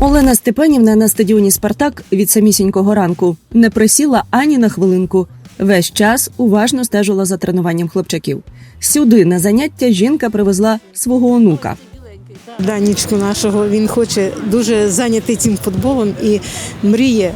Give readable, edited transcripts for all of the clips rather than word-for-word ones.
Олена Степанівна на стадіоні «Спартак» від самісінького ранку не присіла ані на хвилинку. Весь час уважно стежила за тренуванням хлопчаків. Сюди на заняття жінка привезла свого онука. Данічку нашого, він хоче дуже зайнятий цим футболом і мріє,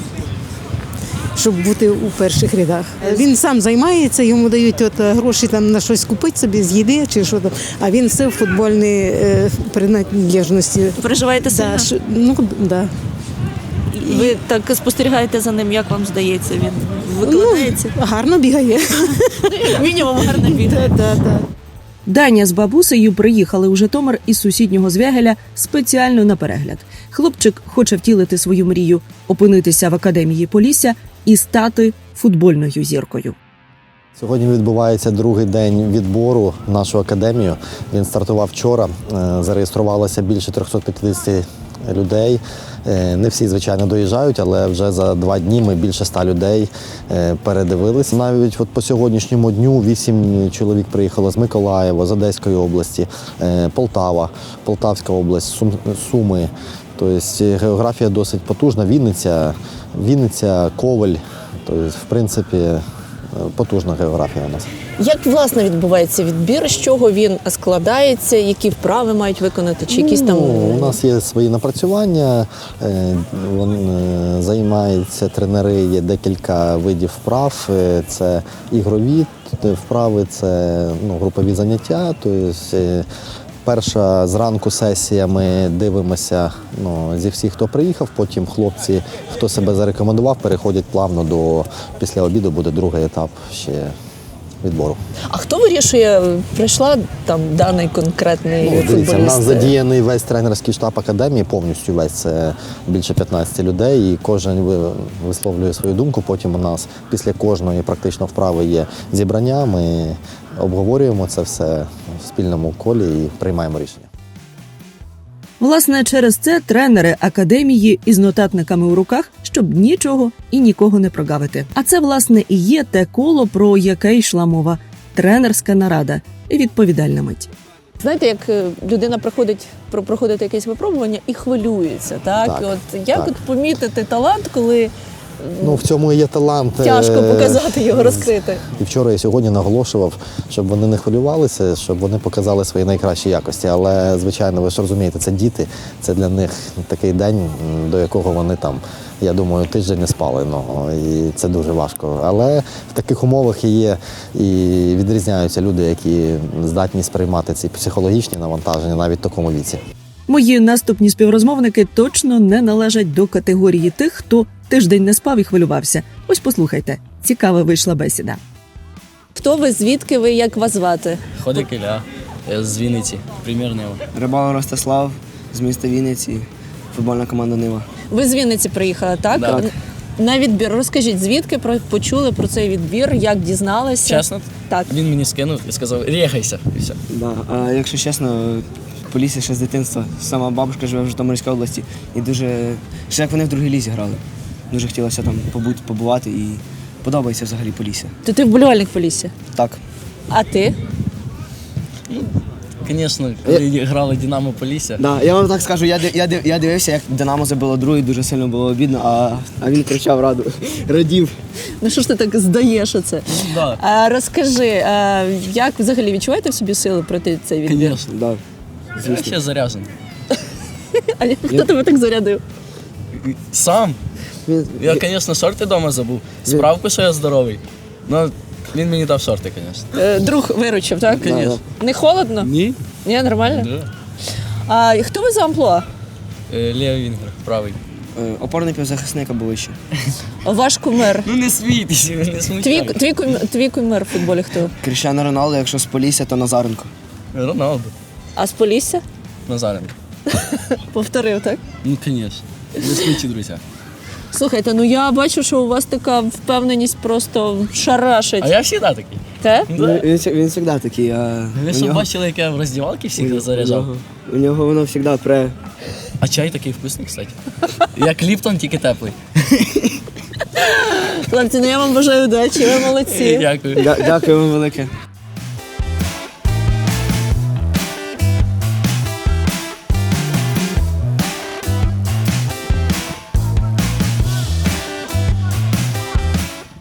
щоб бути у перших рядах. Він сам займається, йому дають гроші там на щось купити собі з їди чи що там, а він все в футбольній приналежності. Переживаєте сильно? Да. Ви так спостерігаєте за ним, як вам здається, він викладається? Гарно бігає. Мінімум гарно бігає. Да. Даня з бабусею приїхали у Житомир із сусіднього Звягеля спеціально на перегляд. Хлопчик хоче втілити свою мрію – опинитися в академії Полісся і стати футбольною зіркою. Сьогодні відбувається другий день відбору в нашу академію. Він стартував вчора, зареєструвалося більше 350 людей. Не всі, звичайно, доїжджають, але вже за 2 дні ми більше 100 людей передивилися. Навіть по сьогоднішньому дню 8 чоловік приїхало з Миколаєва, з Одеської області, Полтава, Полтавська область, Суми. Тобто географія досить потужна. Вінниця, Ковель. Тобто, в принципі, потужна географія у нас. Як, власне, відбувається відбір? З чого він складається? Які вправи мають виконати? Чи якісь там... У нас є свої напрацювання, займаються тренери, є декілька видів вправ. Це ігрові вправи, це групові заняття. Тобто, перша зранку сесія ми дивимося зі всіх, хто приїхав, потім хлопці, хто себе зарекомендував, переходять плавно після обіду буде другий етап ще відбору. А хто вирішує, прийшла там даний конкретний футболіст? Дивіться, у нас задіяний весь тренерський штаб академії, повністю весь, це більше 15 людей, і кожен висловлює свою думку. Потім у нас після кожної практично вправи є зібрання, ми обговорюємо це все в спільному колі і приймаємо рішення. Власне, через це тренери академії із нотатниками у руках, щоб нічого і нікого не прогавити. А це, власне, і є те коло, про яке йшла мова – тренерська нарада і відповідальна мить. Знаєте, як людина проходить якесь випробування і хвилюється, так? Так, Як помітити талант, коли в цьому і є талант. Тяжко показати його, розкрити. І вчора, і сьогодні наголошував, щоб вони не хвилювалися, щоб вони показали свої найкращі якості. Але, звичайно, ви ж розумієте, це діти, це для них такий день, до якого вони там, я думаю, тиждень не спали. І це дуже важко. Але в таких умовах є і відрізняються люди, які здатні сприймати ці психологічні навантаження навіть в такому віці. Мої наступні співрозмовники точно не належать до категорії тих, хто тиждень не спав і хвилювався. Ось послухайте, цікава вийшла бесіда. Хто ви, звідки ви, як вас звати? Ходик Ілля, я з Вінниці, примір Нива. Рибалов Ростислав, з міста Вінниці, футбольна команда Нива. Ви з Вінниці приїхали, так? Так. На відбір. Розкажіть, звідки почули про цей відбір, як дізналися? Чесно? Так. Він мені скинув і сказав, рєхайся, і все. Да. А якщо чесно, Полісся ще з дитинства. Сама бабушка живе в Житомирській області. І дуже, ще як вони в другій лізі грали. Дуже хотілося там побувати і подобається взагалі Полісся. То ти вболівальник Полісся? Так. А ти? Звісно, коли грали Динамо Полісся. Да, я вам так скажу, я дивився, як Динамо забило другий, дуже сильно було обідно, а він кричав радів. Ну що ж ти так здаєш оце? Да. Розкажи, як взагалі відчуваєте в собі сили пройти цей відбір? Звісно. Да. Я ще заряджений. А хто тебе так зарядив? Сам. Я, звісно, шорти вдома забув. Справку, що я здоровий. Ну, він мені дав шорти, звісно. Друг виручив, так? Звісно. Не холодно? Ні. Ні, нормально? Да. А хто ви за амплуа? Лівий вінгер, правий. Опорний півзахисник або вище. Ваш кумир. Ну не смійтеся, не смущайте. Твій кумир в футболі хто? Кріштіану Роналду, якщо з Полісся, то Назаренко. Роналду. А з Полісся? Назаренко. Повторив, так? Ну, звісно. Не смійте, друзі. Слухайте, ну я бачу, що у вас така впевненість просто шарашить. А я завжди такий. Те? Да. Він завжди такий. Ви що бачили, як я в роздівалці всіх заряджав? У нього воно завжди пре. А чай такий вкусний, кстати. Як Ліптон, тільки теплий. Хлопці, ну я вам бажаю удачі, ви молодці. Дякую. Дякую вам велике.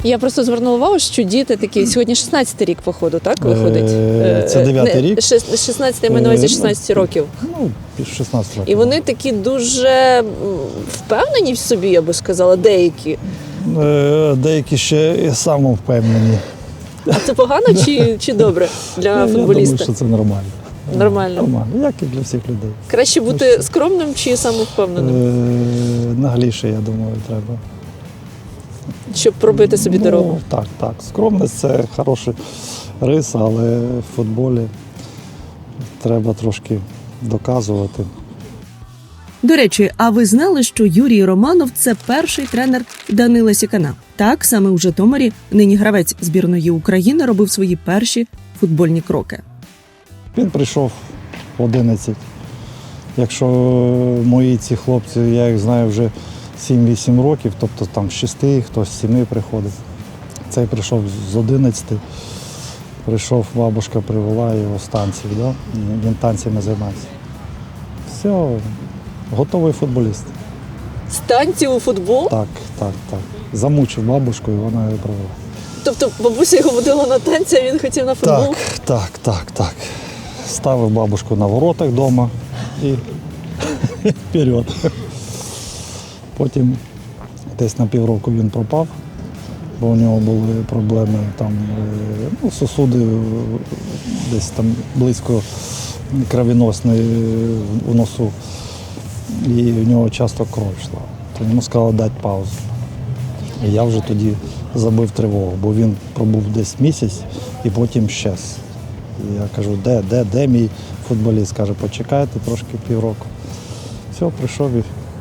Я просто звернула увагу, що діти такі, сьогодні 16-й рік, походу, так, виходить? Це 9-й рік. 16-й, я маю на увазі 16 років. Ну, 16 років. І вони такі дуже впевнені в собі, я би сказала, деякі. Деякі ще самовпевнені. А це погано чи добре для Я думаю, футболіста? що це нормально. Нормально. Нормально, як і для всіх людей. Краще бути скромним чи самовпевненим, Нагліше, я думаю, треба. щоб пробити собі дорогу? Так, так. Скромність – це хороший рис, але в футболі треба трошки доказувати. До речі, а ви знали, що Юрій Романов – це перший тренер Данила Сікана? Так, саме у Житомирі нині гравець збірної України робив свої перші футбольні кроки. Він прийшов в 11. Якщо мої ці хлопці, я їх знаю вже 7-8 років, тобто там з 6, хтось з 7 приходить. Цей прийшов з 11. Прийшов, бабушка привела його з танців, да? Він танцями займається. Все, готовий футболіст. З танців у футбол? Так, так, так. Замучив бабушку і вона його привела. Тобто бабуся його водила на танці, а він хотів на футбол? Так. Ставив бабушку на воротах вдома і вперед. Потім десь на півроку він пропав, бо у нього були проблеми там, сосуди десь там близько кровоносної у носу. І в нього часто кров йшла. То йому сказали дати паузу. І я вже тоді забив тривогу, бо він пробув десь місяць і потім щез. І я кажу, де мій футболіст? Каже, почекайте трошки півроку. Все, прийшов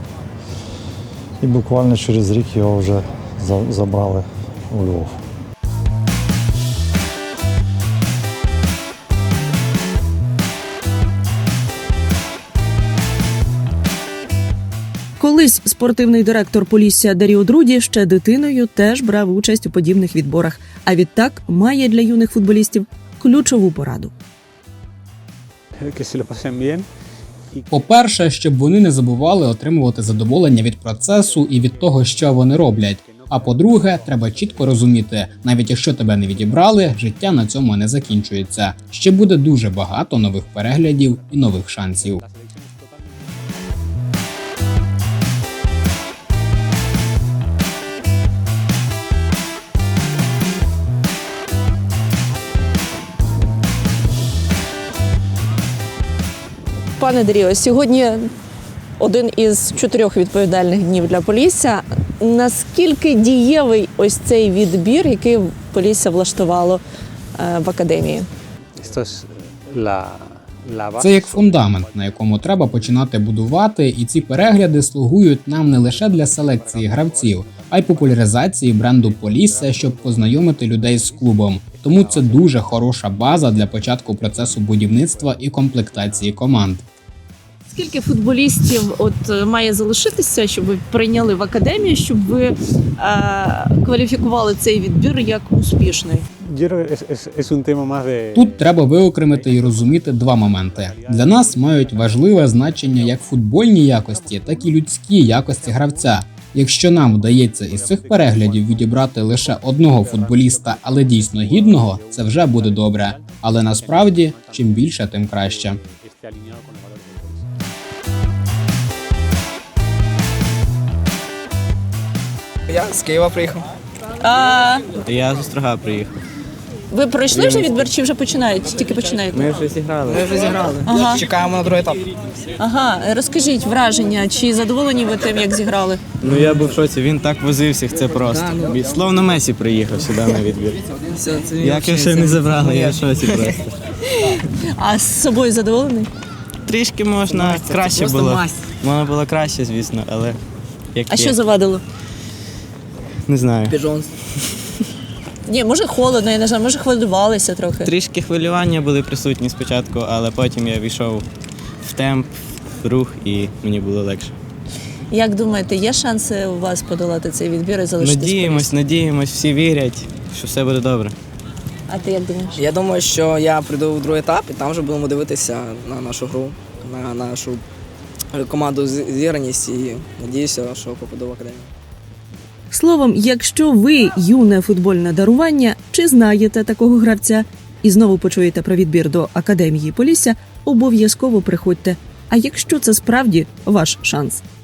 і буквально через рік його вже забрали у Львов. Колись спортивний директор Полісся Даріо Друді ще дитиною теж брав участь у подібних відборах, а відтак має для юних футболістів ключову пораду. По-перше, щоб вони не забували отримувати задоволення від процесу і від того, що вони роблять. А по-друге, треба чітко розуміти, навіть якщо тебе не відібрали, життя на цьому не закінчується. Ще буде дуже багато нових переглядів і нових шансів. Пане Даріо, сьогодні один із 4 відповідальних днів для Полісся. Наскільки дієвий ось цей відбір, який Полісся влаштувало в академії? Це як фундамент, на якому треба починати будувати, і ці перегляди слугують нам не лише для селекції гравців, а й популяризації бренду Полісся, щоб познайомити людей з клубом. Тому це дуже хороша база для початку процесу будівництва і комплектації команд. Скільки футболістів має залишитися, щоб ви прийняли в академію, щоб ви кваліфікували цей відбір як успішний? Тут треба виокремити і розуміти два моменти. Для нас мають важливе значення як футбольні якості, так і людські якості гравця. Якщо нам вдається із цих переглядів відібрати лише одного футболіста, але дійсно гідного, це вже буде добре. Але насправді, чим більше, тим краще. Я з Києва приїхав. Я з Острога приїхав. Ви пройшли вже відбір чи вже починають? Тільки починаєте? Ми вже зіграли. Ага. Чекаємо на другий етап. Ага, розкажіть враження, чи задоволені ви тим, як зіграли? Ну я був в шоці, він так возив всіх, це просто. Словно Месі приїхав сюди на відбір. Як його ще не забрали, я в шоці просто. А з собою задоволений? Трішки можна краще було. Можна було краще, звісно, але як А є. що завадило? Не знаю. Біжон. Ні, може холодно, я не знаю, може хвилювалися трохи. Трішки хвилювання були присутні спочатку, але потім я війшов в темп, в рух і мені було легше. Як думаєте, є шанси у вас подолати цей відбір і залишитись? Надіємось, всі вірять, що все буде добре. А ти як думаєш? Я думаю, що я прийду в другий етап і там вже будемо дивитися на нашу гру, на нашу команду зіграність і надіюся, що попаду в академію. Словом, якщо ви юне футбольне дарування чи знаєте такого гравця і знову почуєте про відбір до Академії Полісся, обов'язково приходьте. А якщо це справді ваш шанс?